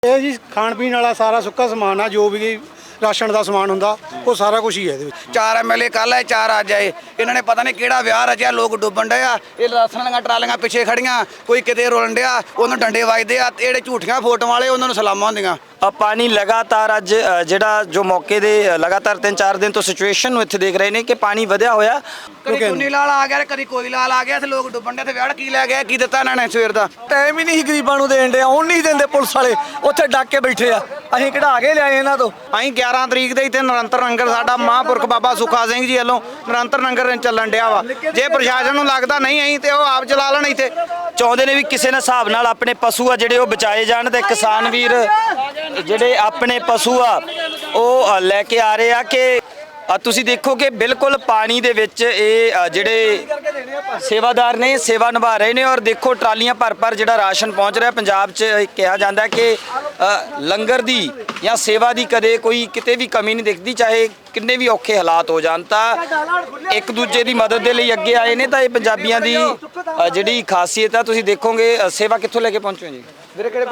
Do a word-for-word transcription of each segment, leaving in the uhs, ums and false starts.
ਇਹ ਜੀ ਖਾਣ ਪੀਣ ਵਾਲਾ ਸਾਰਾ ਸੁੱਕਾ ਸਮਾਨ ਆ, ਜੋ ਵੀ ਰਾਸ਼ਨ ਦਾ ਸਮਾਨ ਹੁੰਦਾ ਉਹ ਸਾਰਾ ਕੁਝ ਹੀ ਹੈ ਇਹਦੇ ਵਿੱਚ। ਚਾਰ ਐਮਐਲਏ ਕੱਲ ਆਏ, ਚਾਰ ਅੱਜ ਆਏ। ਇਹਨਾਂ ਨੇ ਪਤਾ ਨਹੀਂ ਕਿਹੜਾ ਵਿਆਹ ਰਚਿਆ, ਲੋਕ ਡੁੱਬਣ ਡਏ ਆ। ਇਹ ਰਾਸ਼ਨ ਵਾਲੀਆਂ ਟਰਾਲੀਆਂ ਪਿੱਛੇ ਖੜੀਆਂ, ਕੋਈ ਕਿਤੇ ਰੋਲਣ ਡਿਆ, ਉਹਨੂੰ ਡੰਡੇ ਵੱਜਦੇ ਆ। ਤੇ ਜਿਹੜੇ ਝੂਠੀਆਂ ਫੋਟੋਆਂ ਵਾਲੇ ਉਹਨਾਂ ਨੂੰ ਸਲਾਮਾਂ ਹੁੰਦੀਆਂ। ਪਾਣੀ ਲਗਾਤਾਰ ਅੱਜ ਜਿਹੜਾ ਜੋ ਮੌਕੇ ਦੇ ਲਗਾਤਾਰ ਤਿੰਨ ਚਾਰ ਦਿਨ ਤੋਂ ਸਿਚੁਏਸ਼ਨ ਨੂੰ ਇੱਥੇ ਦੇਖ ਰਹੇ ਨੇ ਕਿ ਪਾਣੀ ਵਧਿਆ ਹੋਇਆ। ਕਦੀ ਚੁੰਨੀ ਲਾਲ ਆ ਗਿਆ, ਕਦੀ ਕੋਈ ਲਾਲ ਆ ਗਿਆ। ਤੇ ਲੋਕ ਡੁੱਬਣ ਡੇ ਤੇ ਵਿਆਹ ਕੀ ਲੈ ਗਿਆ, ਕੀ ਦਿੱਤਾ ਇਹਨਾਂ ਨੇ ਸਵੇਰ ਦਾ? ਟਾਈਮ ਹੀ ਨਹੀਂ ਗਰੀਬਾਂ ਨੂੰ ਦੇਣ ਡਿਆ, ਹੁਣ ਨਹੀਂ ਦਿੰਦੇ ਪੁਲਿਸ ਵਾਲੇ, ਉੱਥੇ ਡੱਕ ਕੇ ਬੈਠੇ ਆ। ਅਸੀਂ ਕਢਾ ਕੇ ਲਿਆਏ ਇਹਨਾਂ ਤੋਂ। ਅਸੀਂ ਗਿਆਰਾਂ ਤਰੀਕ ਦੇ ਇੱਥੇ ਨਿਰੰਤਰ ਲੰਗਰ ਸਾਡਾ ਮਹਾਂਪੁਰਖ ਬਾਬਾ ਸੁੱਖਾ ਸਿੰਘ ਜੀ ਵੱਲੋਂ ਨਿਰੰਤਰ ਲੰਗਰ ਚੱਲਣ ਡਿਆ ਵਾ। ਜੇ ਪ੍ਰਸ਼ਾਸਨ ਨੂੰ ਲੱਗਦਾ ਨਹੀਂ ਅਸੀਂ ਤੇ ਉਹ ਆਪ ਚਲਾ ਲੈਣ। ਇੱਥੇ ਚਾਹੁੰਦੇ ਨੇ ਵੀ ਕਿਸੇ ਨਾ ਹਿਸਾਬ ਨਾਲ ਆਪਣੇ ਪਸ਼ੂ ਆ ਜਿਹੜੇ ਉਹ ਬਚਾਏ ਜਾਣ ਤੇ ਕਿਸਾਨ ਵੀਰ ਜਿਹੜੇ ਆਪਣੇ ਪਸ਼ੂ ਆ ਉਹ ਲੈ ਕੇ ਆ ਰਹੇ ਆ ਕਿ ਤੁਸੀਂ ਦੇਖੋ ਕਿ ਬਿਲਕੁਲ ਪਾਣੀ ਦੇ ਵਿੱਚ ਇਹ ਜਿਹੜੇ ਸੇਵਾਦਾਰ ਨੇ ਸੇਵਾ ਨਿਭਾ ਰਹੇ ਨੇ। ਔਰ ਦੇਖੋ ਟਰਾਲੀਆਂ ਭਰ ਭਰ ਜਿਹੜਾ ਰਾਸ਼ਨ ਪਹੁੰਚ ਰਿਹਾ। ਪੰਜਾਬ 'ਚ ਕਿਹਾ ਜਾਂਦਾ ਕਿ ਲੰਗਰ ਦੀ ਜਾਂ ਸੇਵਾ ਦੀ ਕਦੇ ਕੋਈ ਕਿਤੇ ਵੀ ਕਮੀ ਨਹੀਂ ਦਿਖਦੀ, ਚਾਹੇ ਕਿੰਨੇ ਵੀ ਔਖੇ ਹਾਲਾਤ ਹੋ ਜਾਣ ਤਾਂ ਇੱਕ ਦੂਜੇ ਦੀ ਮਦਦ ਦੇ ਲਈ ਅੱਗੇ ਆਏ ਨੇ। ਤਾਂ ਇਹ ਪੰਜਾਬੀਆਂ ਦੀ ਜਿਹੜੀ ਖਾਸੀਅਤ ਆ। ਤੁਸੀਂ ਦੇਖੋਗੇ ਸੇਵਾ ਕਿੱਥੋਂ ਲੈ ਕੇ ਪਹੁੰਚੇ ਹੋ ਜੀ? ਵੀਰੇ ਕਿਹੜੇ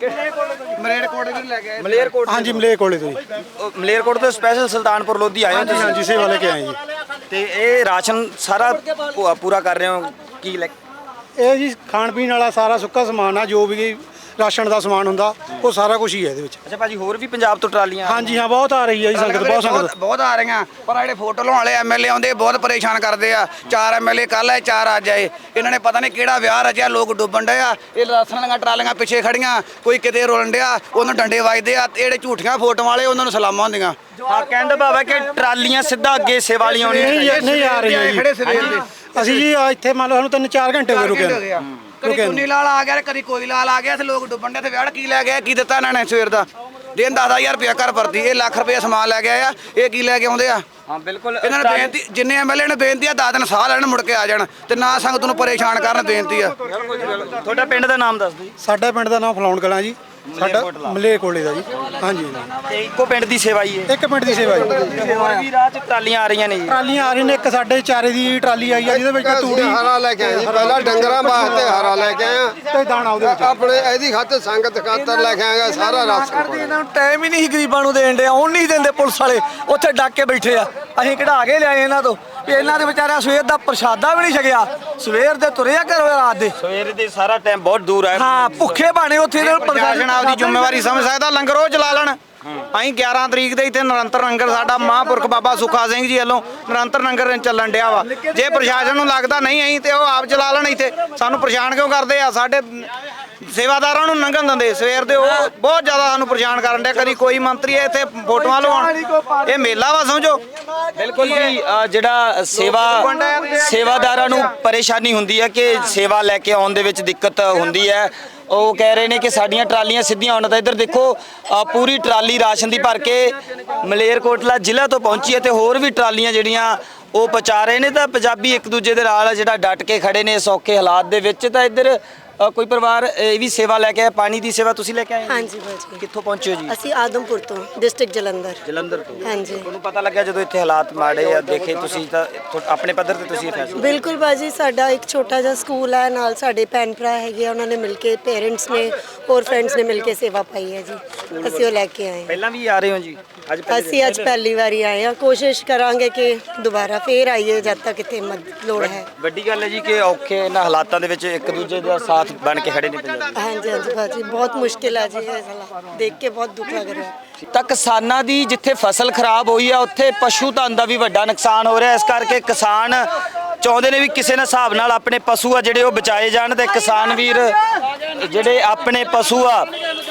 ਮਲੇਰਕੋਟ ਵੀ ਲੈ ਕੇ ਆਏ? ਮਲੇਰਕੋਟ, ਹਾਂਜੀ ਮਲੇਰਕੋਟਲੇ ਤੋਂ ਜੀ। ਮਲੇਰਕੋਟ ਤੋਂ ਸਪੈਸ਼ਲ ਸੁਲਤਾਨਪੁਰ ਲੋਧੀ ਆਏ ਹੋ ਤੁਸੀਂ? ਹਾਂਜੀ ਸੇਵਾ ਲੈ ਕੇ ਆਏ ਜੀ। ਤੇ ਇਹ ਰਾਸ਼ਨ ਸਾਰਾ ਪੂਰਾ ਕਰ ਰਹੇ ਹੋ ਕੀ ਲੈ? ਇਹ ਜੀ ਖਾਣ ਪੀਣ ਵਾਲਾ ਸਾਰਾ ਸੁੱਕਾ ਸਮਾਨ ਆ, ਜੋ ਵੀ ਰਾਸ਼ਨ ਦਾ ਸਮਾਨ ਹੁੰਦਾ ਉਹ ਸਾਰਾ ਕੁਝ ਹੀ ਹੈ ਇਹਦੇ ਵਿੱਚ। ਅੱਛਾ ਭਾਜੀ, ਹੋਰ ਵੀ ਪੰਜਾਬ ਤੋਂ ਟਰਾਲੀਆਂ? ਹਾਂਜੀ ਹਾਂ, ਬਹੁਤ ਆ ਰਹੀ ਹੈ ਜੀ ਸੰਗਤ, ਬਹੁਤ ਸੰਗਤ ਬਹੁਤ ਆ ਰਹੀਆਂ। ਪਰ ਜਿਹੜੇ ਫੋਟੋ ਲਾਉਣ ਵਾਲੇ ਐਮਐਲਏ ਆਉਂਦੇ ਬਹੁਤ ਪਰੇਸ਼ਾਨ ਕਰਦੇ ਆ। ਚਾਰ ਐਮਐਲਏ ਕੱਲ ਆਏ, ਚਾਰ ਅੱਜ ਆਏ। ਇਹਨਾਂ ਨੇ ਪਤਾ ਨਹੀਂ ਕਿਹੜਾ ਵਿਆਹ ਰਚਿਆ, ਲੋਕ ਡੁੱਬਣ ਡਏ ਆ। ਇਹ ਰਾਸ਼ਨ ਵਾਲੀਆਂ ਟਰਾਲੀਆਂ ਪਿੱਛੇ ਖੜੀਆਂ, ਕੋਈ ਕਿਤੇ ਰੋਲਣ ਡਿਆ, ਉਹਨੂੰ ਡੰਡੇ ਵੱਜਦੇ ਆ। ਤੇ ਜਿਹੜੇ ਝੂਠੀਆਂ ਫੋਟੋਆਂ ਵਾਲੇ ਉਹਨਾਂ ਨੂੰ ਸਲਾਮਾਂ ਹੁੰਦੀਆਂ। ਹਾਂ, ਕਹਿੰਦਾ ਬਾਬਾ ਕਿ ਟਰਾਲੀਆਂ ਸਿੱਧਾ ਅੱਗੇ ਸੇਵਾ ਵਾਲੀਆਂ ਆਉਣੀਆਂ। ਨਹੀਂ ਆ ਰਹੀ ਜੀ। ਅਸੀਂ ਜੀ ਇੱਥੇ ਮੰਨ ਲਓ ਸਾਨੂੰ ਤਿੰਨ ਚਾਰ ਘੰਟੇ ਹੋ ਗਏ ਰੁਕੇ। ਕਦੀ ਚੁੰਨੀ ਲਾਲ ਆ ਗਿਆ, ਕਦੀ ਕੋਈ ਲਾਲ ਆ ਗਿਆ। ਤੇ ਲੋਕ ਡੁੱਬਣ ਡੇ ਤੇ ਵਿਆਹ ਕੀ ਲੈ ਗਿਆ, ਕੀ ਦਿੱਤਾ ਇਹਨਾਂ ਨੇ ਸਵੇਰ ਦਾ? ਦਿਨ ਦਸ ਹਜ਼ਾਰ ਰੁਪਇਆ ਘਰ ਵਰਦੀ। ਇਹ ਲੱਖ ਰੁਪਇਆ ਸਮਾਨ ਲੈ ਕੇ ਆਇਆ, ਇਹ ਕੀ ਲੈ ਕੇ ਆਉਂਦੇ ਆ? ਹਾਂ ਬਿਲਕੁਲ। ਇਹਨਾਂ ਨੇ ਬੇਨਤੀ, ਜਿੰਨੇ ਐਮਐਲਏ ਨੇ ਬੇਨਤੀ ਆ ਦਸ ਦਿਨ ਸਾਹ ਲੈਣ ਮੁੜ ਕੇ ਆ ਜਾਣ ਤੇ ਨਾ ਸੰਗਤ ਨੂੰ ਪਰੇਸ਼ਾਨ ਕਰਨ। ਬੇਨਤੀ ਆ। ਤੁਹਾਡਾ ਪਿੰਡ ਦਾ ਨਾਮ ਦੱਸ ਦਿਓ। ਸਾਡਾ ਪਿੰਡ ਦਾ ਨਾਮ ਫਲਾਉਣ ਕਲਾਂ ਜੀ, ਸਾਡਾ ਮਲੇਰਕੋਟਲੇ ਦਾ ਜੀ। ਹਾਂਜੀ ਤੇ ਇੱਕੋ ਪਿੰਡ ਦੀ ਸੇਵਾ ਹੀ ਹੈ? ਇੱਕ ਪਿੰਡ ਦੀ ਸੇਵਾ ਜੀ। ਹੋਰ ਵੀ ਰਾਹ 'ਚ ਟਰਾਲੀਆਂ ਆ ਰਹੀਆਂ ਨੇ ਜੀ? ਟਰਾਲੀਆਂ ਆ ਰਹੀਆਂ ਨੇ। ਇੱਕ ਸਾਡੇ ਚਾਰੇ ਦੀ ਟਰਾਲੀ ਆਈ ਆ ਜਿਹਦੇ ਵਿੱਚ ਤੂੜੀ ਹਰਾ ਲੈ ਕੇ ਆਏ ਜੀ। ਪਹਿਲਾਂ ਡੰਗਰਾਂ ਵਾਸਤੇ ਹਰਾ ਲੈ ਕੇ ਆਏ ਆ ਤੇ ਦਾਣਾ ਉਹਦੇ ਵਿੱਚ। ਆਪਣੇ ਇਹਦੀ ਖਾਤਰ ਸੰਗਤ ਖਾਤਰ ਲੈ ਕੇ ਆਏਗਾ ਸਾਰਾ ਰਾਸ਼ਨ। ਇਹਨਾਂ ਨੂੰ ਟਾਈਮ ਹੀ ਨਹੀਂ ਗਰੀਬਾਂ ਨੂੰ ਦੇਣ ਡਿਆ, ਹੁਣ ਨਹੀਂ ਦਿੰਦੇ ਪੁਲਿਸ ਵਾਲੇ, ਉੱਥੇ ਡੱਕ ਕੇ ਬੈਠੇ ਆ। ਅਸੀਂ ਕਢਾ ਕੇ ਲਿਆਏ ਇਹਨਾਂ ਤੋਂ। ਵੀ ਇਹਨਾਂ ਦੇ ਵਿਚਾਰਿਆਂ ਸਵੇਰ ਦਾ ਪ੍ਰਸ਼ਾਦਾ ਵੀ ਨਹੀਂ ਛਕਿਆ, ਸਵੇਰ ਦੇ ਤੁਰੇ ਆ ਘਰੋਂ ਰਾਤ ਦੇ। ਸਵੇਰ ਦੇ ਸਾਰਾ ਟਾਈਮ ਬਹੁਤ ਦੂਰ ਹੈ। ਹਾਂ, ਭੁੱਖੇ ਬਾਣੇ ਉੱਥੇ ਇਹਨਾਂ ਨੂੰ ਪ੍ਰਸ਼ਾਸਨ ਆਪਦੀ ਜ਼ਿੰਮੇਵਾਰੀ ਸਮਝ ਸਕਦਾ, ਲੰਗਰ ਉਹ ਚਲਾ ਲੈਣ। ਅਸੀਂ ਗਿਆਰਾਂ ਤਰੀਕ ਦੇ ਇੱਥੇ ਨਿਰੰਤਰ ਲੰਗਰ ਸਾਡਾ ਮਹਾਂਪੁਰਖ ਬਾਬਾ ਸੁੱਖਾ ਸਿੰਘ ਜੀ ਵੱਲੋਂ ਨਿਰੰਤਰ ਲੰਗਰ ਚੱਲਣ ਡਿਆ ਵਾ। ਜੇ ਪ੍ਰਸ਼ਾਸਨ ਨੂੰ ਲੱਗਦਾ ਨਹੀਂ ਅਸੀਂ ਤੇ ਉਹ ਆਪ ਚਲਾ ਲੈਣ। ਇੱਥੇ ਸਾਨੂੰ ਪਰੇਸ਼ਾਨ ਕਿਉਂ ਕਰਦੇ ਆ? ਸਾਡੇ ਸੇਵਾਦਾਰਾਂ ਨੂੰ ਲੰਘਣ ਦਿੰਦੇ ਸਵੇਰ ਦੇ, ਉਹ ਬਹੁਤ ਜ਼ਿਆਦਾ ਸਾਨੂੰ ਪਰੇਸ਼ਾਨ ਕਰਨ ਡਿਆ। ਕਦੀ ਕੋਈ ਮੰਤਰੀ ਹੈ ਇੱਥੇ ਫੋਟੋਆਂ ਲਵਾਉਣ, ਇਹ ਮੇਲਾ ਵਾ ਸਮਝੋ। ਬਿਲਕੁਲ ਜੀ। ਜਿਹੜਾ ਸੇਵਾ ਸੇਵਾਦਾਰਾਂ ਨੂੰ ਪਰੇਸ਼ਾਨੀ ਹੁੰਦੀ ਹੈ ਕਿ ਸੇਵਾ ਲੈ ਕੇ ਆਉਣ ਦੇ ਵਿੱਚ ਦਿੱਕਤ ਹੁੰਦੀ ਹੈ। ਉਹ ਕਹਿ ਰਹੇ ਨੇ ਕਿ ਸਾਡੀਆਂ ਟਰਾਲੀਆਂ ਸਿੱਧੀਆਂ ਆਉਣ। ਤਾਂ ਇੱਧਰ ਦੇਖੋ ਪੂਰੀ ਟਰਾਲੀ ਰਾਸ਼ਨ ਦੀ ਭਰ ਕੇ ਮਲੇਰਕੋਟਲਾ ਜ਼ਿਲ੍ਹਾ ਤੋਂ ਪਹੁੰਚੀ ਹੈ ਤੇ ਹੋਰ ਵੀ ਟਰਾਲੀਆਂ ਜਿਹੜੀਆਂ ਉਹ ਪਹੁੰਚਾ ਰਹੇ ਨੇ। ਤਾਂ ਪੰਜਾਬੀ ਇੱਕ ਦੂਜੇ ਦੇ ਨਾਲ ਜਿਹੜਾ ਡਟ ਕੇ ਖੜੇ ਨੇ ਸੌਖੇ ਹਾਲਾਤ ਦੇ ਵਿੱਚ। ਤਾਂ ਇੱਧਰ ਕੋਈ ਪਰਿਵਾਰ ਇਹ ਵੀ ਸੇਵਾ ਲੈ ਕੇ ਆਇਆ, ਪਾਣੀ ਦੀ ਸੇਵਾ ਤੁਸੀਂ ਲੈ ਕੇ ਆਏ? ਹਾਂਜੀ ਭਾਜੀ। ਕਿੱਥੋਂ ਪਹੁੰਚੇ ਹੋ ਜੀ? ਅਸੀਂ ਆਦਮਪੁਰ ਤੋਂ, ਡਿਸਟ੍ਰਿਕਟ ਜਲੰਧਰ। ਜਲੰਧਰ ਤੋਂ? ਹਾਂਜੀ। ਤੁਹਾਨੂੰ ਪਤਾ ਲੱਗਿਆ ਜਦੋਂ ਇੱਥੇ ਹਾਲਾਤ ਮਾੜੇ ਆ ਦੇਖੇ ਤੁਸੀਂ ਤਾਂ ਆਪਣੇ ਪੱਧਰ ਤੇ ਤੁਸੀਂ ਇਹ ਫੈਸਲਾ? ਬਿਲਕੁਲ ਭਾਜੀ, ਸਾਡਾ ਇੱਕ ਛੋਟਾ ਜਿਹਾ ਸਕੂਲ ਹੈ, ਨਾਲ ਸਾਡੇ ਭੈਣ ਭਰਾ ਹੈਗੇ, ਉਹਨਾਂ ਨੇ ਮਿਲ ਕੇ, ਪੇਰੈਂਟਸ ਨੇ ਹੋਰ ਫਰੈਂਡਸ ਨੇ ਮਿਲ ਕੇ ਸੇਵਾ ਪਾਈ ਹੈ ਜੀ। ਅਸੀਂ ਉਹ ਲੈ ਕੇ ਆਏ। ਪਹਿਲਾਂ ਵੀ ਆ ਰਹੇ ਹੋ ਜੀ? ਅੱਜ ਅਸੀਂ ਅੱਜ ਪਹਿਲੀ ਵਾਰੀ ਆਏ ਹਾਂ। ਕੋਸ਼ਿਸ਼ ਕਰਾਂਗੇ ਕਿ ਦੁਬਾਰਾ ਫੇਰ ਆਈਏ ਜਦ ਤੱਕ ਇੱਥੇ ਮਦਦ ਲੋੜ ਹੈ। ਵੱਡੀ ਗੱਲ ਹੈ ਜੀ ਕਿ ਔਖੇ ਇਹਨਾਂ ਹਾਲਾਤਾਂ ਦੇ ਵਿੱਚ ਇੱਕ ਦੂਜੇ ਦਾ ਸਾਥ ਬਣ ਕੇ ਖੜੇ ਨੇ ਪੰਜਾਬੀ। ਹਾਂਜੀ ਹਾਂਜੀ ਭਾਜੀ, ਬਹੁਤ ਮੁਸ਼ਕਿਲ ਹੈ ਜੀ ਇਹ ਸਾਲਾ ਦੇਖ ਕੇ, ਬਹੁਤ ਦੁੱਖ ਲੱਗ ਰਿਹਾ। ਤਾਂ ਕਿਸਾਨਾਂ ਦੀ ਜਿੱਥੇ ਫਸਲ ਖਰਾਬ ਹੋਈ ਆ ਉੱਥੇ ਪਸ਼ੂ ਧਨ ਦਾ ਵੀ ਵੱਡਾ ਨੁਕਸਾਨ ਹੋ ਰਿਹਾ। ਇਸ ਕਰਕੇ ਕਿਸਾਨ ਚਾਹੁੰਦੇ ਨੇ ਵੀ ਕਿਸੇ ਨਾ ਹਿਸਾਬ ਨਾਲ ਆਪਣੇ ਪਸ਼ੂ ਆ ਜਿਹੜੇ ਉਹ ਬਚਾਏ ਜਾਣ ਤੇ ਕਿਸਾਨ ਵੀਰ ਜਿਹੜੇ ਆਪਣੇ ਪਸ਼ੂ ਆ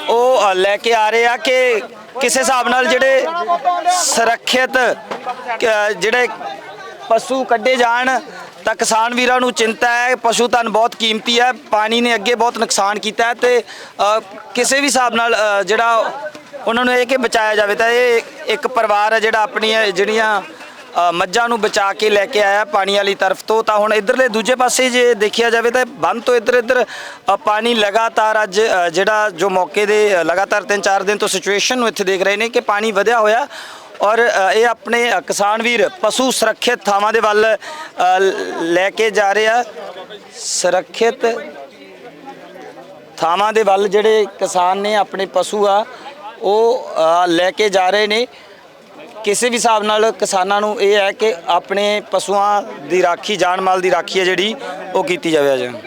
ਉਹ ਲੈ ਕੇ ਆ ਰਹੇ ਆ ਕਿ ਕਿਸੇ ਹਿਸਾਬ ਨਾਲ ਜਿਹੜੇ ਸੁਰੱਖਿਅਤ ਜਿਹੜੇ ਪਸ਼ੂ ਕੱਢੇ ਜਾਣ। ਤਾਂ ਕਿਸਾਨ ਵੀਰਾਂ ਨੂੰ ਚਿੰਤਾ ਹੈ, ਪਸ਼ੂ ਧਨ ਬਹੁਤ ਕੀਮਤੀ ਹੈ, ਪਾਣੀ ਨੇ ਅੱਗੇ ਬਹੁਤ ਨੁਕਸਾਨ ਕੀਤਾ ਹੈ ਤੇ ਕਿਸੇ ਵੀ ਹਿਸਾਬ ਨਾਲ ਜਿਹੜਾ ਉਹਨਾਂ ਨੂੰ ਇਹ ਕਿ ਬਚਾਇਆ ਜਾਵੇ। ਤਾਂ ਇਹ ਇੱਕ ਪਰਿਵਾਰ ਹੈ ਜਿਹੜਾ ਆਪਣੀਆਂ ਜਿਹੜੀਆਂ ਮੱਝਾਂ ਨੂੰ ਬਚਾ ਕੇ ਲੈ ਕੇ ਆਇਆ ਪਾਣੀ ਵਾਲੀ ਤਰਫ ਤੋਂ। ਤਾਂ ਹੁਣ ਇੱਧਰਲੇ ਦੂਜੇ ਪਾਸੇ ਜੇ ਦੇਖਿਆ ਜਾਵੇ ਤਾਂ ਬੰਨ ਤੋਂ ਇੱਧਰ ਇੱਧਰ ਪਾਣੀ ਲਗਾਤਾਰ ਅੱਜ ਜਿਹੜਾ ਜੋ ਮੌਕੇ ਦੇ ਲਗਾਤਾਰ ਤਿੰਨ ਚਾਰ ਦਿਨ ਤੋਂ ਸਿਚੁਏਸ਼ਨ ਨੂੰ ਇੱਥੇ ਦੇਖ ਰਹੇ ਨੇ ਕਿ ਪਾਣੀ ਵਧਿਆ ਹੋਇਆ। ਔਰ ਇਹ ਆਪਣੇ ਕਿਸਾਨ ਵੀਰ ਪਸ਼ੂ ਸੁਰੱਖਿਅਤ ਥਾਵਾਂ ਦੇ ਵੱਲ ਲੈ ਕੇ ਜਾ ਰਹੇ ਆ। ਸੁਰੱਖਿਅਤ ਥਾਵਾਂ ਦੇ ਵੱਲ ਜਿਹੜੇ ਕਿਸਾਨ ਨੇ ਆਪਣੇ ਪਸ਼ੂ ਆ ਉਹ ਅ, ਲੈ ਕੇ ਜਾ ਰਹੇ ਨੇ। ਕਿਸੇ ਵੀ ਹਿਸਾਬ ਨਾਲ ਕਿਸਾਨਾਂ ਨੂੰ ਇਹ ਹੈ ਕਿ ਆਪਣੇ ਪਸ਼ੂਆਂ ਦੀ ਰਾਖੀ, ਜਾਨ ਮਾਲ ਦੀ ਰਾਖੀ ਹੈ ਜਿਹੜੀ ਉਹ ਕੀਤੀ ਜਾਵੇ। ਅੱਜ